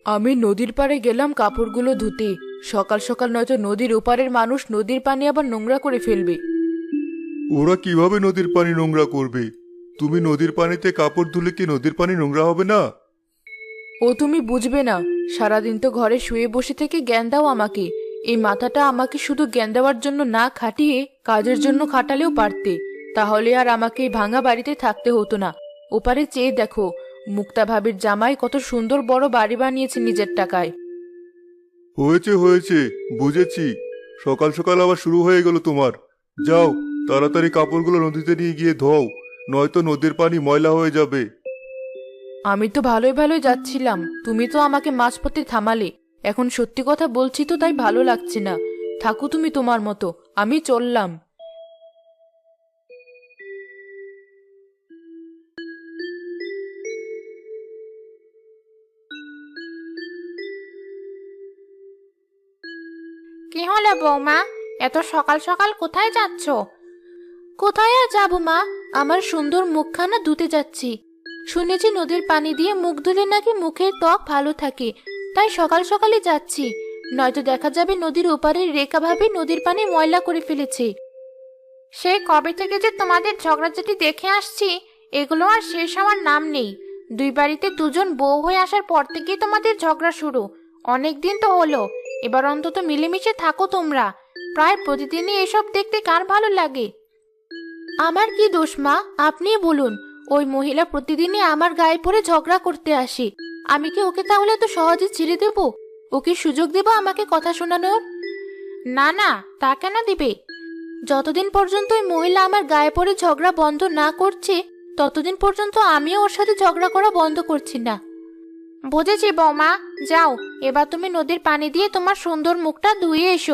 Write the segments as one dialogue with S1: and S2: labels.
S1: আমি নদীর পাড়ে গেলাম কাপড়গুলো ধুতে। সকাল সকাল নয়তো নদীর ওপারের মানুষ নদীর পানি আবার নোংরা করে ফেলবে।
S2: ওরা কিভাবে নদীর পানি নোংরা করবে? তুমি নদীর পানিতে কাপড় ধুলে কি নদীর পানি নোংরা হবে না?
S1: ও তুমি বুঝবে না, সারাদিন তো ঘরে শুয়ে বসে থেকে জ্ঞান দাও আমাকে। এই মাথাটা আমাকে শুধু জ্ঞান দেওয়ার জন্য না খাটিয়ে কাজের জন্য খাটালেও পারতে, তাহলে আর আমাকে এই ভাঙা বাড়িতে থাকতে হতো না। ওপারে চেয়ে দেখো, মুক্তা ভাবির জামাই কত সুন্দর বড় বাড়ি বানিয়েছে নিজের টাকায়।
S2: হয়েছে হয়েছে, বুঝেছি। সকাল সকাল আবার শুরু হয়ে গেল তোমার। যাও, তাড়াতাড়ি কাপড়গুলো নদীতে নিয়ে গিয়ে ধোও, নয়তো নদীর পানি ময়লা হয়ে যাবে।
S1: আমি তো ভালোই ভালোই যাচ্ছিলাম, তুমি তো আমাকে মাঝপথে থামালে। এখন সত্যি কথা বলছি তো, তাই ভালো লাগছে না। থাকো তুমি তোমার মতো, আমি চললাম।
S3: কি হলো বৌমা, এত সকাল সকাল কোথায় যাচ্ছ?
S1: কোথায় আর যাবো মা, আমার সুন্দর মুখখানা ধুতে যাচ্ছি। শুনেছি নদীর পানি দিয়ে মুখ ধুলে নাকি মুখের ত্বক ভালো থাকে, তাই সকাল সকালে যাচ্ছি। নয়তো দেখা যাবে নদীর ওপারের রেখা ভাবে নদীর পানি ময়লা করে ফেলেছে।
S3: সেই কবে থেকে যে তোমাদের ঝগড়াঝাটি দেখে আসছি, এগুলো আর শেষ হওয়ার নাম নেই। দুই বাড়িতে দুজন বউ হয়ে আসার পর থেকেই তোমাদের ঝগড়া শুরু। অনেক দিন তো হলো, এবার অন্তত মিলেমিশে থাকো তোমরা। প্রায় প্রতিদিনই এসব দেখতে কার ভালো লাগে?
S1: আমার কি দোষ মা, আপনিই বলুন। ওই মহিলা প্রতিদিনই আমার গায়ে পড়ে ঝগড়া করতে আসে। আমি কি ওকে তাহলে তো সহজে ছেড়ে দেব? ওকে সুযোগ দেব আমাকে কথা শোনানোর?
S3: না না, তা কেন দিবে?
S1: যতদিন পর্যন্ত ওই মহিলা আমার গায়ে পড়ে ঝগড়া বন্ধ না করছে, ততদিন পর্যন্ত আমিও ওর সাথে ঝগড়া করা বন্ধ করছি না।
S3: বুঝেছি বৌমা, যাও এবার তুমি নদীর পানি দিয়ে তোমার সুন্দর মুখটা ধুয়ে এসো।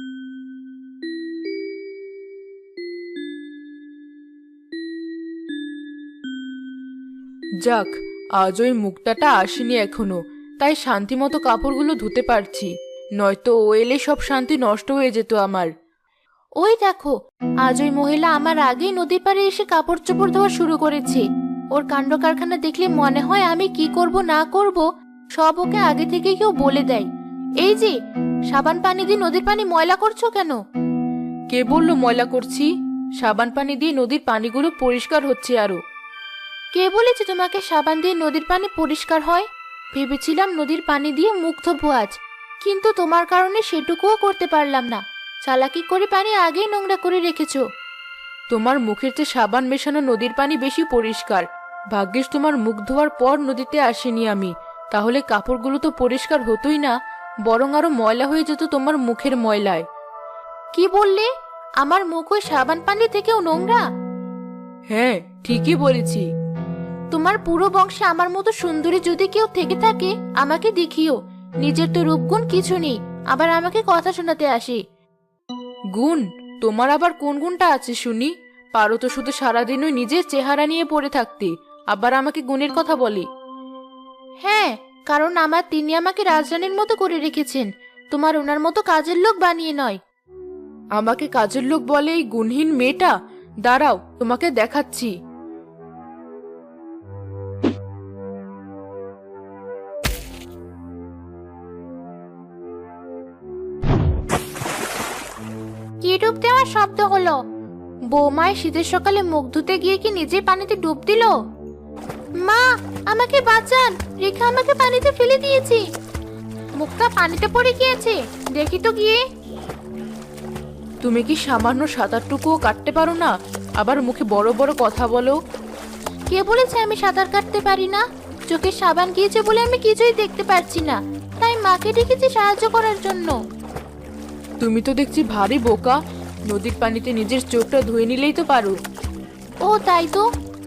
S1: যাক, আজ ওই মুক্তাটা আসেনি এখনো, তাই শান্তি মতো কাপড়গুলো ধুতে পারছি। নয়তো ও এলে সব শান্তি নষ্ট হয়ে যেত আমার। ওই দেখো, আজ ওই মহিলা আমার আগেই নদীর পাড়ে এসে কাপড় চোপড় ধোয়া শুরু করেছে। ওর কাণ্ড কারখানা দেখলে মনে হয় আমি কি করব না করব সব ওকে আগে থেকে কেউ বলে দেয়। এই যে, সাবান পানি দিয়ে নদীর পানি ময়লা করছো কেন? কে বললো ময়লা করছি? সাবান পানি দিয়ে নদীর পানিগুলো পরিষ্কার হচ্ছে আরো। কে বলেছে তোমাকে সাবান দিয়ে নদীর পানি পরিষ্কার হয়? ভেবেছিলাম নদীর পানি দিয়ে মুখ ধোবো আজ, কিন্তু তোমার কারণে সেটুকুও করতে পারলাম না। চালাকি করে পানি আগেই নোংরা করে রেখেছো। তোমার মুখের চেয়ে সাবান মেশানো নদীর পানি বেশি পরিষ্কার। ভাগ্যিস তোমার মুখ ধোয়ার পর নদীতে আসিনি আমি, তাহলে কাপড়গুলো তো পরিষ্কার হতোই না, বরং আরো ময়লা হয়ে যেত তোমার মুখের ময়লায়। কি বললে? আমার মুখ ওই সাবান পানি থেকেও নোংরা? হ্যাঁ, ঠিকই বলেছি। তোমার পুরো বংশে আমার মতো সুন্দরী যদি কেউ থেকে থাকে আমাকে দেখিও। নিজের তো রূপগুণ কিছু নেই, আবার আমাকে কথা শোনাতে আসে। গুণ? তোমার আবার কোন গুণটা আছে শুনি? পারো তো শুধু সারাদিন ওই নিজের চেহারা নিয়ে পড়ে থাকতে, আবার আমাকে গুণের কথা বলে। হ্যাঁ, কারণ তিনি আমাকে রাজরানীর মতো করে রেখেছেন, তোমার ওনার মতো কাজের লোক বানিয়ে নয়। আমাকে কাজের লোক বলে এই গুণহীন মেয়েটা? দাঁড়াও, তোমাকে দেখাচ্ছি।
S3: কি ডুব দেওয়ার শব্দ হলো? বৌমায় শীতের সকালে মুখ ধুতে গিয়ে কি নিজে পানিতে ডুব দিল? মা, আমাকে বাঁচান, রেখা আমাকে পানিতে ফেলে দিয়েছে। মুখটা পানিতে পড়ে গিয়েছে, দেখি তো গিয়ে।
S1: তুমি কি সামান্য সাঁতারটুকুও কাটতে পারো না, আবার মুখে বড় বড় কথা বলো? কে বলেছে আমি সাঁতার কাটতে পারি না? চোখে সাবান গিয়েছে বলে আমি কিছুই দেখতে পারছি না, তাই মাকে ডেকেছি সাহায্য করার জন্য। তুমি তো দেখছি ভারী বোকা, নদীর পানিতে নিজের চোখটা ধুয়ে নিলেই তো পারো। ও তাই তো।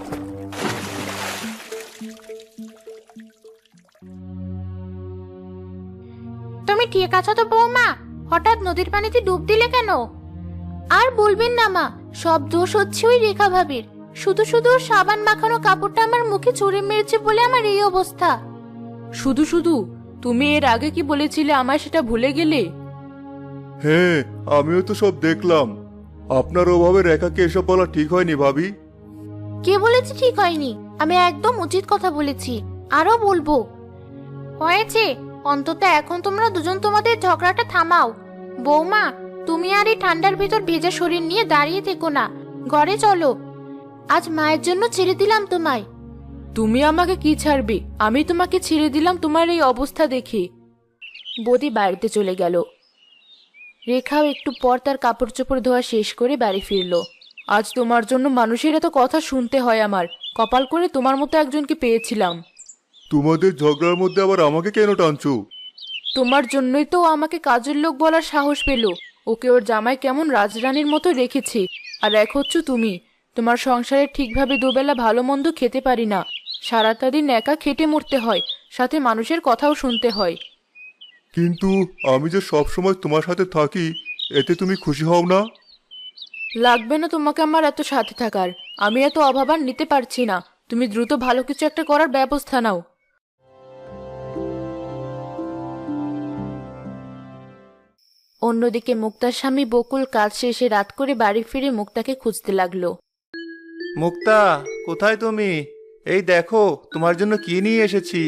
S3: তুমি ঠিক আছো তো বৌমা? হঠাৎ নদীর পানিতে ডুব দিলে কেন?
S1: আর বলবেন না মা, সব দোষ হচ্ছে ওই রেখা ভাবির। শুধু শুধু ওর সাবান মাখানো কাপড়টা আমার মুখে ছুঁড়ে মেরেছে বলে আমার এই অবস্থা। শুধু শুধু? তুমি এর আগে কি বলেছিলে আমায় সেটা ভুলে গেলে?
S2: হ্যাঁ, আমিও তো সব দেখলাম। আপনার ওভাবে রেখাকে এসব বলা ঠিক হয়নি ভাবি।
S1: কে বলেছে ঠিক হয়নি? আমি একদম উচিত কথা বলেছি, আরো বলবো।
S3: হয়েছে, অন্তত এখন তোমরা দুজন তোমাদের ঝগড়াটা থামাও। বৌমা, তুমি আর এই ঠান্ডার ভিতর ভেজা শরীর নিয়ে দাঁড়িয়ে থেকো না, ঘরে চলো। আজ মায়ের জন্য ছেড়ে দিলাম তোমায়।
S1: তুমি আমাকে কি ছাড়বে? আমি তোমাকে ছেড়ে দিলাম তোমার এই অবস্থা দেখে। বৌদি বাড়িতে চলে গেল। রেখাও একটু পর তার কাপড় চোপড় ধোয়া শেষ করে বাড়ি ফিরল। আজ তোমার জন্য মানুষের এত কথা শুনতে হয় আমার। কপাল করে তোমার মতো একজনকে পেয়েছিলাম।
S2: তোমাদের ঝগড়ার মধ্যে আবার আমাকে কেন টানছো?
S1: তোমার জন্যই তো ও আমাকে কাজের লোক বলার সাহস পেল। ওকে ওর জামাই কেমন রাজরানীর মতো রেখেছে, আর এক হচ্ছ তুমি। তোমার সংসারে ঠিকভাবে দুবেলা ভালো মন্দ খেতে পারি না। সারাটা দিন একা খেটে মরতে হয়, সাথে মানুষের কথাও শুনতে হয়।
S2: কিন্তু আমি যে সব সময় তোমার সাথে থাকি, এতে তুমি খুশি হও না?
S1: লাগবে না তোমাকে আমার এত সাথে থাকার। আমি এত অভাব আর নিতে পারছি না। তুমি দ্রুত ভালো কিছু একটা করার ব্যবস্থা নাও। অন্যদিকে মুক্তার স্বামী বকুল কাজ শেষে রাত করে বাড়ি ফিরে মুক্তাকে খুঁজতে লাগলো।
S4: মুক্তা, কোথায় তুমি? এই দেখো তোমার জন্য কি নিয়ে এসেছি।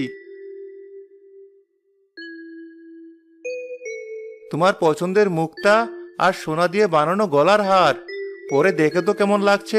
S4: তোমার পছন্দের মুক্তা আর সোনা দিয়ে বানানো গলার হার। পরে দেখে তো কেমন লাগছে।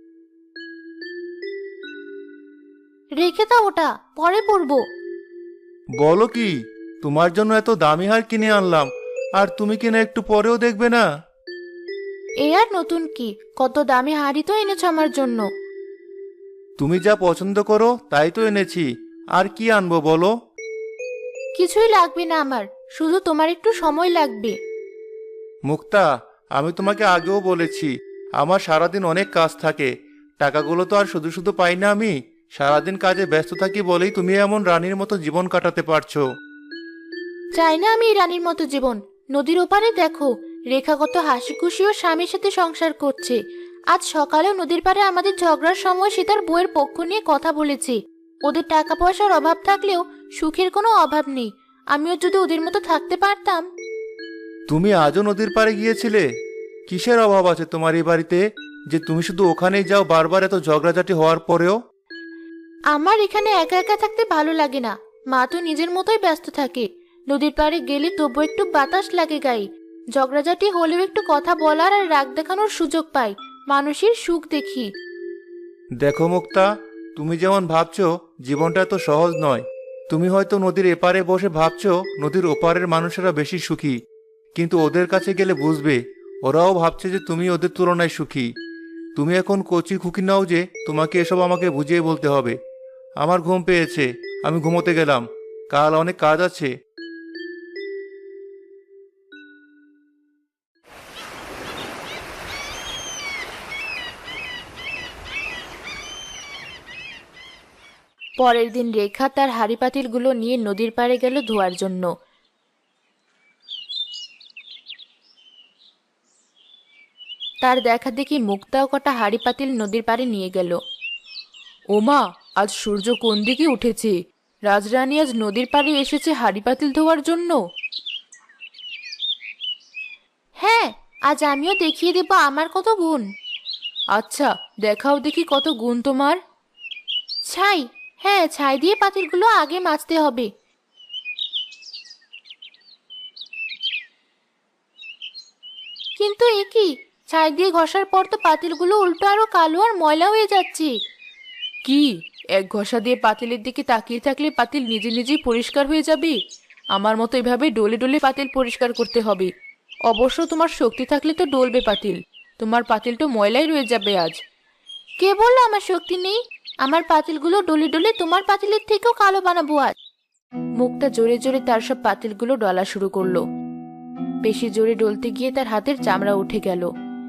S3: রেখে দাও, ওটা পরে পরবো।
S4: বলো কি, তোমার জন্য এত দামি হার কিনে আনলাম, আর তুমি কিনা একটু পরেও দেখবে না?
S3: এ আর নতুন কি, কত দামি হাড়ি তো এনেছো আমার জন্য।
S4: তুমি যা পছন্দ করো তাই তো এনেছি, আর কি আনবো বলো?
S3: কিছুই লাগবে না আমার, শুধু তোমার একটু সময় লাগবে।
S4: মুক্তা, আমি তোমাকে আগেও বলেছি, আমার সারাদিন অনেক কাজ থাকে। টাকাগুলো তো আর শুধু শুধু পাই না আমি। সারাদিন কাজে ব্যস্ত থাকি বলেই তুমি এমন রানীর মতো জীবন কাটাতে পারছো।
S3: চাই না আমি এই রানীর মতো জীবন। নদীর ওপারে দেখো, রেখা কত হাসি খুশি ও স্বামীর সাথে সংসার করছে। আজ সকালেও নদীর পাড়ে আমাদের ঝগড়ার সময় সে তার বউয়ের পক্ষ নিয়ে কথা বলেছে। ওদের টাকা পয়সার অভাব থাকলেও সুখের কোনো অভাব নেই। আমিও যদি ওদের মতো থাকতে পারতাম।
S4: তুমি আজও নদীর পাড়ে গিয়েছিলে? কিসের অভাব আছে তোমার এই বাড়িতে যে তুমি শুধু ওখানেই যাও বারবার এত ঝগড়াঝাটি হওয়ার পরেও?
S3: আমার এখানে একা একা থাকতে ভালো লাগে না। মা তো নিজের মতোই ব্যস্ত থাকে। নদীর পাড়ে গেলে তবু একটু বাতাস লাগে গায়ে। ঝগড়াঝাটি হলেও একটু কথা বলার আর রাগ দেখানোর সুযোগ পাই। মানুষের সুখ দেখি।
S4: দেখো মুক্তা, তুমি যেমন ভাবছো জীবনটা এত সহজ নয়। তুমি হয়তো নদীর এপারে বসে ভাবছো নদীর ওপারের মানুষেরা বেশি সুখী, কিন্তু ওদের কাছে গেলে বুঝবে ওরাও ভাবছে যে তুমি ওদের তুলনায় সুখী। তুমি এখন কচি খুকি নাও যে তোমাকে এসব আমাকে বুঝিয়ে বলতে হবে। আমার ঘুম পেয়েছে, আমি ঘুমোতে গেলাম। কাল অনেক কাজ আছে।
S1: পরের দিন রেখা তার হাঁড়ি পাতিলগুলো নিয়ে নদীর পাড়ে গেল ধোয়ার জন্য। তার দেখা দেখি মুক্তাও কটা হাঁড়ি পাতিল নদীর পাড়ে নিয়ে গেল। ওমা, আজ সূর্য কোন দিকে উঠেছে! রাজরানী আজ নদীর পাড়ে এসেছে হাঁড়ি পাতিল ধোয়ার জন্য।
S3: হ্যাঁ, আজ আমিও দেখিয়ে দেব আমার কত গুণ।
S1: আচ্ছা, দেখাও দেখি কত গুণ তোমার।
S3: ছাই, হ্যাঁ, ছাই দিয়ে পাতিলগুলো আগে মাজতে হবে। কিন্তু এ কি, ছাই দিয়ে ঘষার পর তো পাতিলগুলো উল্টো আরো কালো আর ময়লা হয়ে যাচ্ছে।
S1: কি, এক ঘষা দিয়ে পাতিলের দিকে তাকিয়ে থাকলে পাতিল নিজে নিজেই পরিষ্কার হয়ে যাবে? আমার মতো এভাবে ডলে ডলে পাতিল পরিষ্কার করতে হবে। অবশ্য তোমার শক্তি থাকলে তো ডলবে পাতিল। তোমার পাতিল তো ময়লাই রয়ে যাবে আজ।
S3: কে বললো আমার শক্তি নেই? আমার পাতিলগুলো ডলে ডলে তোমার পাতিলের থেকেও কালো বানাবো আজ।
S1: মুক্তা জোরে জোরে তার সব পাতিলগুলো ডলা শুরু করলো। বেশি জোরে ডলতে গিয়ে তার হাতের চামড়া উঠে গেল।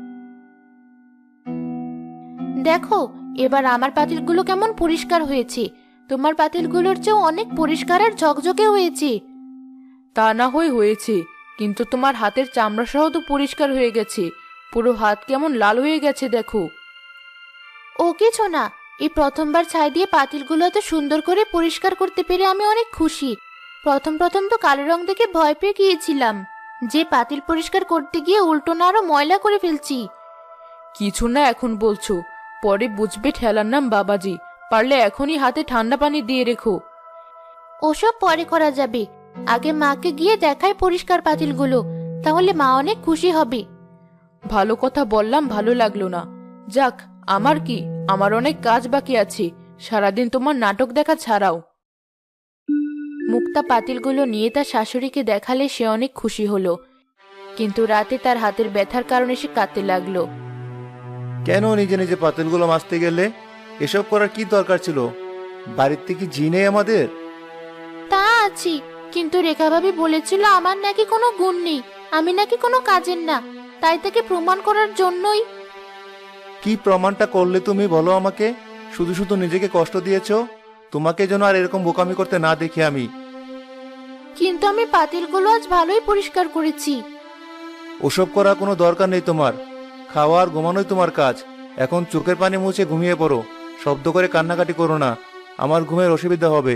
S3: দেখো, এবার আমার পাতিলগুলো কেমন পরিষ্কার হয়েছে। তোমার পাতিলগুলোর চেয়েও অনেক পরিষ্কার আর ঝকঝকে হয়েছে।
S1: তা না হয়েছে, কিন্তু তোমার হাতের চামড়া সহ তো পরিষ্কার হয়ে গেছে। পুরো হাত কেমন লাল হয়ে গেছে দেখো।
S3: ও কিছু না, এই প্রথমবার ছাই দিয়ে পাতিলগুলো এত সুন্দর করে পরিষ্কার করতে পেরে আমি অনেক খুশি। প্রথম প্রথম তো কালো রং দেখে ভয় পেয়ে গিয়েছিলাম যে পাতিল পরিষ্কার করতে গিয়ে উল্টো না আরো ময়লা করে ফেলছি।
S1: কিছু না এখন বলছো, পরে বুঝবে ঠেলার নাম বাবাজি। পারলে এখনই হাতে ঠান্ডা পানি দিয়ে রেখো।
S3: ওসব পরে করা যাবে। আগে মাকে গিয়ে দেখাই পরিষ্কার পাতিলগুলো, তাহলে মা অনেক খুশি হবে।
S1: ভালো কথা বললাম, ভালো লাগলো না। যাক, আমার কি, আমার অনেক কাজ বাকি আছে, সারাদিন তোমার নাটক দেখা ছাড়াও।
S3: মুক্তা পাতিলগুলো নিয়ে তার শাশুড়িকে দেখালে সে অনেক খুশি হলো, কিন্তু রাতে তার হাতের ব্যথার কারণে সে কাঁদতে লাগলো।
S4: কেন নিজে নিজে পাতিলগুলো মাজতে গেলে? এসব করার কি দরকার ছিল? বাড়িতে কি জি নেই আমাদের?
S3: তা আছি, কিন্তু রেখা ভাবি বলেছিল আমার নাকি কোনো গুণ নেই, আমি নাকি কোনো কাজের না, তাই তাকে প্রমাণ করার জন্যই।
S4: কি প্রমাণটা করলে তুমি বলো আমাকে? শুধু শুধু নিজেকে কষ্ট দিয়েছো। তোমাকে যেন আর এরকম বোকামি করতে না দেখি আমি।
S3: কিন্তু আমি পাতিলগুলো আজ ভালোই পরিষ্কার করেছি।
S4: ওসব করার কোনো দরকার নেই তোমার। খাওয়া আর ঘুমানোই তোমার কাজ। এখন চোখের পানি মুছে ঘুমিয়ে পড়ো। শব্দ করে কান্নাকাটি করো না, আমার ঘুমের অসুবিধা হবে।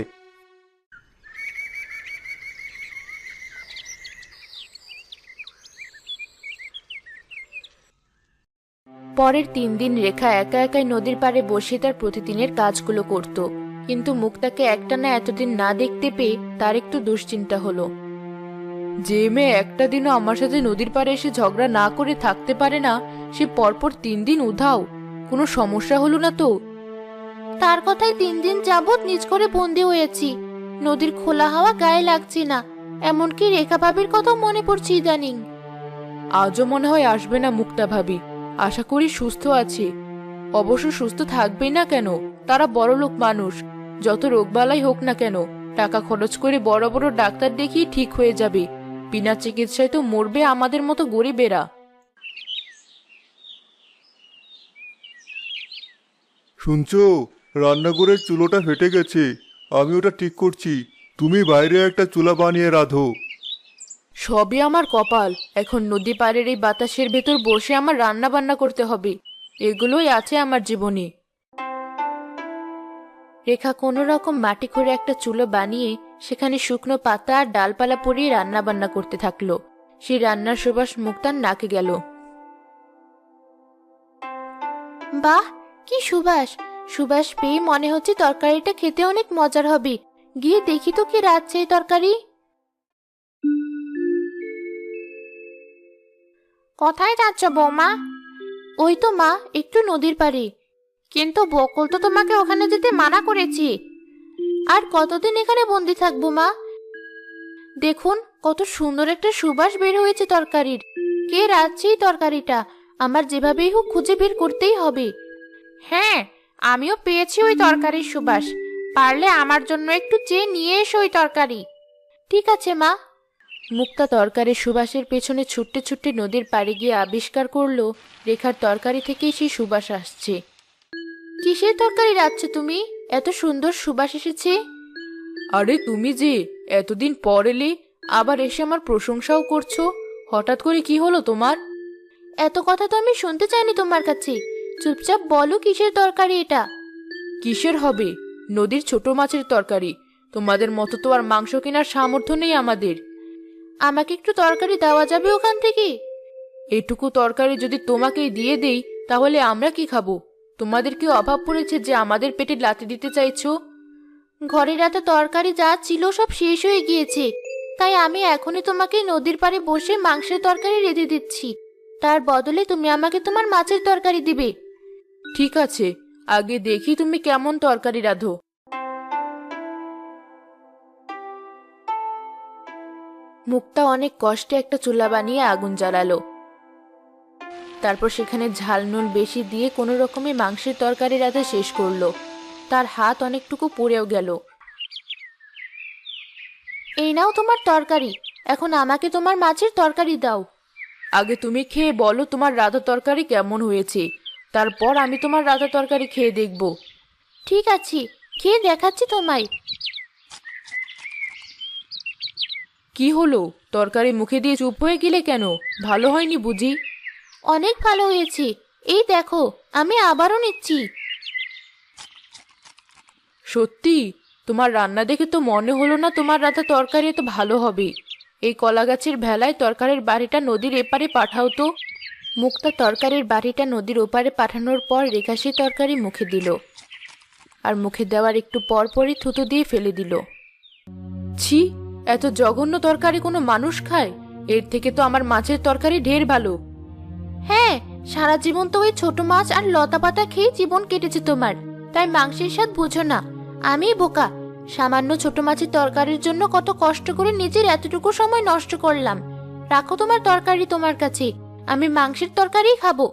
S1: পরের 3 দিন রেখা একা একাই নদীর পাড়ে বসে তার প্রতিদিনের কাজগুলো করত, কিন্তু মুক্তাকে একটানা এতদিন না দেখতে পেয়ে তার একটু দুশ্চিন্তা হলো। যে মেয়ে একটা দিনও আমার সাথে নদীর পাড়ে এসে ঝগড়া না করে থাকতে পারে না, সে পরপর 3 দিন উধাও। কোনো সমস্যা হলো না তো?
S3: তার কথায় 3 দিন যাবৎ নিজ করে বন্দি হয়েছি, নদীর খোলা হাওয়া গায়ে লাগছে না, এমনকি রেখা ভাবির কথা মনে পড়ছে ইদানিং।
S1: আজও মনে হয় আসবে না মুক্তা ভাবি। আশা করি সুস্থ আছে। অবশ্য সুস্থ থাকবেই না কেন, তারা বড়লোক মানুষ। যত রোগবালাই হোক না কেন, টাকা খরচ করে বড় বড় ডাক্তার দেখিয়ে ঠিক হয়ে যাবে। বিনা চিকিৎসায় তো মরবে আমাদের মতো গরিবেরা।
S2: শুনছো, রান্নাঘরের চুলোটা ফেটে গেছে, আমি ওটা ঠিক করছি। তুমি বাইরে একটা চুলা বানিয়ে রাঁধো।
S1: সবই আমার কপাল। এখন নদী পাড়ের এই বাতাসের ভেতর বসে আমার রান্না বান্না করতে হবে। এগুলোই আছে আমার জীবনে।
S3: রেখা কোনো রকম মাটি করে একটা চুলো বানিয়ে সেখানে শুকনো পাতা আর ডালপালা পরিয়ে রান্না বান্না করতে থাকলো। সেই রান্নার সুবাস মুক্তার নাকে গেল। বাহ, কি সুবাস! সুবাস পেয়ে মনে হচ্ছে তরকারিটা খেতে অনেক মজার হবে। গিয়ে দেখি তো কি রাঁধছে এই তরকারি। কোথায় যাচ্ছ বৌমা? ওই তো মা, একটু নদীর পাড়ে। কিন্তু বকুল তো তোমাকে ওখানে যেতে মানা করেছি। আর কতদিন এখানে বন্দি থাকবো মা? দেখুন কত সুন্দর একটা সুবাস বের হয়েছে তরকারির। কে রাঁধছে এই তরকারিটা? আমার যেভাবেই হোক খুঁজে বের করতেই হবে। হ্যাঁ, আমিও পেয়েছি ওই তরকারির সুবাস। পারলে আমার জন্য একটু চেয়ে নিয়ে এসো ওই তরকারি। ঠিক আছে মা।
S1: মুক্তা তরকারির সুবাসের পেছনে ছুটতে ছুটতে নদীর পাড়ে গিয়ে আবিষ্কার করলো রেখার তরকারি থেকেই সেই সুবাস আসছে।
S3: কিসের তরকারি রাঁধছো তুমি? এত সুন্দর সুবাস এসেছে।
S1: আরে তুমি যে এতদিন পর এলে, আবার এসে আমার প্রশংসাও করছো। হঠাৎ করে কি হলো তোমার?
S3: এত কথা তো আমি শুনতে চাইনি তোমার কাছে। চুপচাপ বলো কিসের তরকারি এটা?
S1: কিসের হবে? নদীর ছোট মাছের তরকারি। তোমাদের মতো তো আর মাংস কেনার সামর্থ্য নেই আমাদের।
S3: আমাকে একটু তরকারি দেওয়া যাবে ওখান থেকে?
S1: এটুকু তরকারি যদি তোমাকেই দিয়ে দেই, তাহলে আমরা কি খাবো? তোমাদের কি অভাব পড়েছে যে আমাদের পেটে লাথি দিতে চাইছো?
S3: ঘরের এত তরকারি যা ছিল সব শেষ হয়ে গিয়েছে, তাই আমি এখনই তোমাকে নদীর পাড়ে বসে মাংসের তরকারি রেঁধে দিচ্ছি। তার বদলে তুমি আমাকে তোমার মাছের তরকারি দিবে।
S1: ঠিক আছে, আগে দেখি তুমি কেমন তরকারি রাঁধো। মুক্তা অনেক কষ্টে একটা চুলা বানিয়ে আগুন জ্বালালো। তারপর সেখানে ঝাল নুন বেশি দিয়ে কোনো রকমে মাংসের তরকারি রাঁধা শেষ করলো। তার হাত অনেকটুকু পুড়েও গেল।
S3: এই নাও তোমার তরকারি, এখন আমাকে তোমার মাছের তরকারি দাও।
S1: আগে তুমি খেয়ে বলো তোমার রাঁধা তরকারি কেমন হয়েছে, তারপর আমি তোমার রাঁধা তরকারি খেয়ে দেখব।
S3: ঠিক আছে, খেয়ে দেখাচ্ছি তোমায়।
S1: কি হলো, তরকারি মুখে দিয়ে চুপ হয়ে গেলে কেন? ভালো হয়নি বুঝি?
S3: অনেক ভালো হয়েছে, এই দেখো আমি আবারও নিচ্ছি।
S1: সত্যি? তোমার রান্না দেখে তো মনে হলো না তোমার রাঁধা তরকারি এত ভালো হবে। এই কলা গাছের ভেলায় তরকারির বাড়িটা নদীর এপারে পাঠাও তো। মুক্তা তরকারির বাড়িটা নদীর ওপারে পাঠানোর পর রেখা সেই তরকারি মুখে দিল, আর মুখে দেওয়ার একটু পর পরই থুতু দিয়ে ফেলে দিল। ছি, এত জঘন্য তরকারি কোনো মানুষ খায়? এর থেকে তো আমার মাছের তরকারি ঢের ভালো।
S3: হ্যাঁ, সারা জীবন তো ওই ছোট মাছ আর লতা পাতা খেয়ে জীবন কেটেছে তোমার, তাই মাংসের স্বাদ বুঝো না। আমি বোকা, সামান্য ছোট মাছের তরকারির জন্য কত কষ্ট করে নিজের এতটুকু সময় নষ্ট করলাম। রাখো তোমার তরকারি তোমার কাছে, আমি মাংসের তরকারিই খাবো।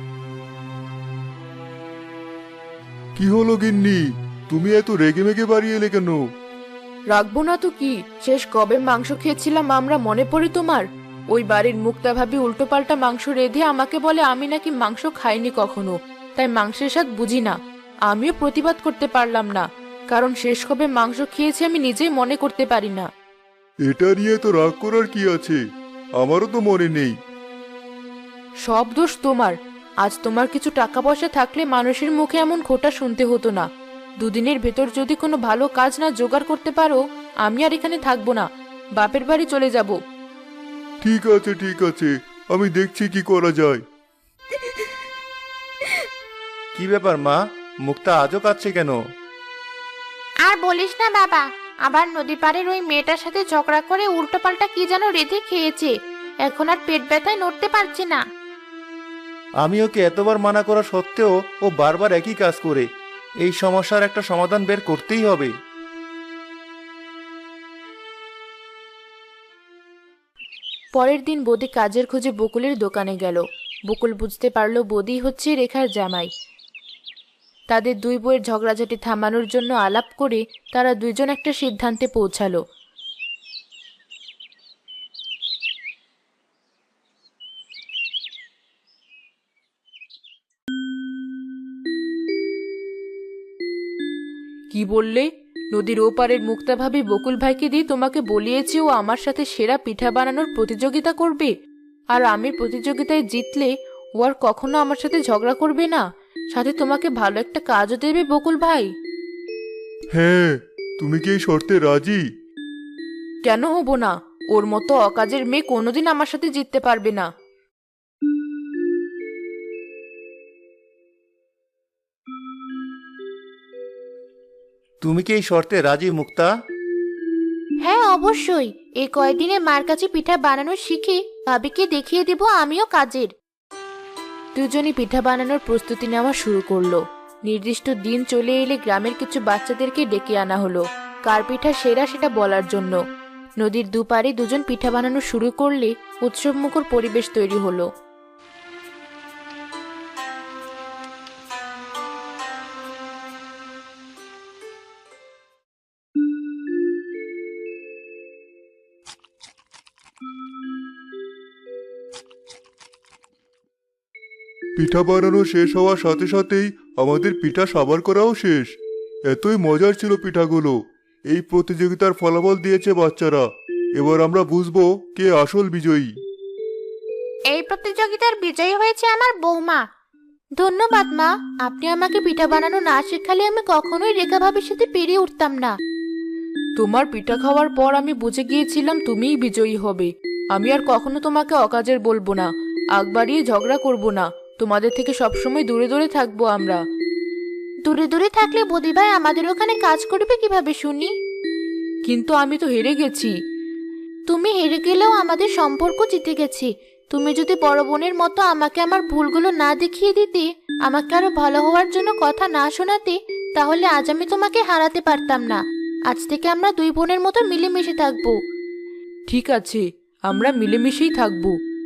S2: কি হলো গিন্নি, তুমি এত রেগে মেগে বাড়ি এলে কেন?
S1: রাখবো না তো কি, শেষ কবে মাংস খেয়েছিলাম আমরা মনে পড়ে তোমার? ওই বাড়ির মুক্তা ভাবি উল্টোপাল্টা মাংস রেঁধে আমাকে বলে আমি নাকি মাংস খাইনি কখনো, তাই মাংসের স্বাদ বুঝি না। আমিও প্রতিবাদ করতে পারলাম না, কারণ শেষ কবে মাংস খেয়েছি আমি নিজেই মনে করতে পারি না।
S2: এটা নিয়ে তো রাগ করার কি আছে, আমারও তো মনে নেই।
S1: সব দোষ তোমার। আজ তোমার কিছু টাকা পয়সা থাকলে মানুষের মুখে এমন খোঁটা শুনতে হতো না। দুদিনের ভেতর যদি কোনো ভালো কাজ না জোগাড় করতে পারো, আমি আর এখানে থাকবো না, বাপের বাড়ি চলে যাব।
S2: ঠিক আছে ঠিক আছে, আমি দেখছি কি করা যায়।
S4: কি ব্যাপার মা, মুক্তা আজও কাঁদছে কেন?
S3: আর বলিস না বাবা, আবার নদী পাড়ের ওই মেয়েটার সাথে ঝগড়া করে উল্টোপাল্টা কি যেন রেঁধে খেয়েছে, এখন আর পেট ব্যথায় নড়তে পারছে না।
S4: আমি ওকে এতবার মানা করা সত্ত্বেও ও বারবার একই কাজ করে। এই সমস্যার একটা সমাধান বের করতেই হবে।
S1: পরের দিন বৌদি কাজের খোঁজে বকুলের দোকানে গেল। বকুল বুঝতে পারলো বৌদি হচ্ছে রেখার জামাই। তাদের দুই বউয়ের ঝগড়াঝাটি থামানোর জন্য আলাপ করে তারা দুইজন একটা সিদ্ধান্তে পৌঁছালো। কি বললে? নদীর ওপারের মুক্তা ভাবি বকুল ভাইকে দিয়ে তোমাকে বলিয়েছে ও আমার সাথে সেরা পিঠা বানানোর প্রতিযোগিতা করবে, আর আমি প্রতিযোগিতায় জিতলে ও আর কখনো আমার সাথে ঝগড়া করবে না, সাথে তোমাকে ভালো একটা কাজও দেবে বকুল ভাই।
S2: হ্যাঁ, তুমি কি এই শর্তে রাজি?
S1: কেন হব না? ওর মতো অকাজের মেয়ে কোনোদিন আমার সাথে জিততে পারবে না।
S4: তুমি কি এই শর্তে রাজি মুক্তা?
S3: হ্যাঁ অবশ্যই, এই কয়েকদিনে মার কাছে পিঠা বানানো শিখে ভাবিকে দেখিয়ে দেব আমিও কাজের।
S1: দুজনই পিঠা বানানোর প্রস্তুতি নেওয়া শুরু করলো। নির্দিষ্ট দিন চলে এলে গ্রামের কিছু বাচ্চাদেরকে ডেকে আনা হলো কার পিঠা সেরা সেটা বলার জন্য। নদীর দুপারে দুজন পিঠা বানানো শুরু করলে উৎসবমুখর পরিবেশ তৈরি হলো।
S2: পিঠা বানানো শেষ হওয়ার সাথে সাথেই আমাদের পিঠা সাবার করাও শেষ। এতই মজার ছিল পিঠাগুলো। এই প্রতিযোগিতার ফলাফল দিয়েছে বাচ্চারা। এবার আমরা বুঝবো কে আসল বিজয়ী।
S3: এই প্রতিযোগিতার বিজয়ী হয়েছে আমার বৌমা। ধন্যবাদ মা, আপনি আমাকে পিঠা বানানো না শেখালে আমি কখনোই রেখা ভাবির সাথে পেরিয়ে উঠতাম না।
S1: তোমার পিঠা খাওয়ার পর আমি বুঝে গিয়েছিলাম তুমিই বিজয়ী হবে। আমি আর কখনো তোমাকে অকাজের বলবো না, আগ বাড়িয়ে ঝগড়া করবো না। তোমাদের থেকে সবসময় দূরে দূরে থাকবো আমরা।
S3: দূরে দূরে থাকলে বদি ভাই আমাদের ওখানে কাজ করবে কিভাবে শুনি?
S1: কিন্তু আমি তো হেরে গেছি।
S3: তুমি হেরে গেলেও আমাদের সম্পর্ক জিতে গেছে। তুমি যদি বড় বোনের মতো আমাকে আমার ভুলগুলো না দেখিয়ে দিতে, আমাকে আরো ভালো হওয়ার জন্য কথা না শোনাতে, তাহলে আজ আমি তোমাকে হারাতে পারতাম না। আজ থেকে আমরা দুই বোনের মতো মিলেমিশে থাকবো।
S1: ঠিক আছে, আমরা মিলেমিশেই থাকবো।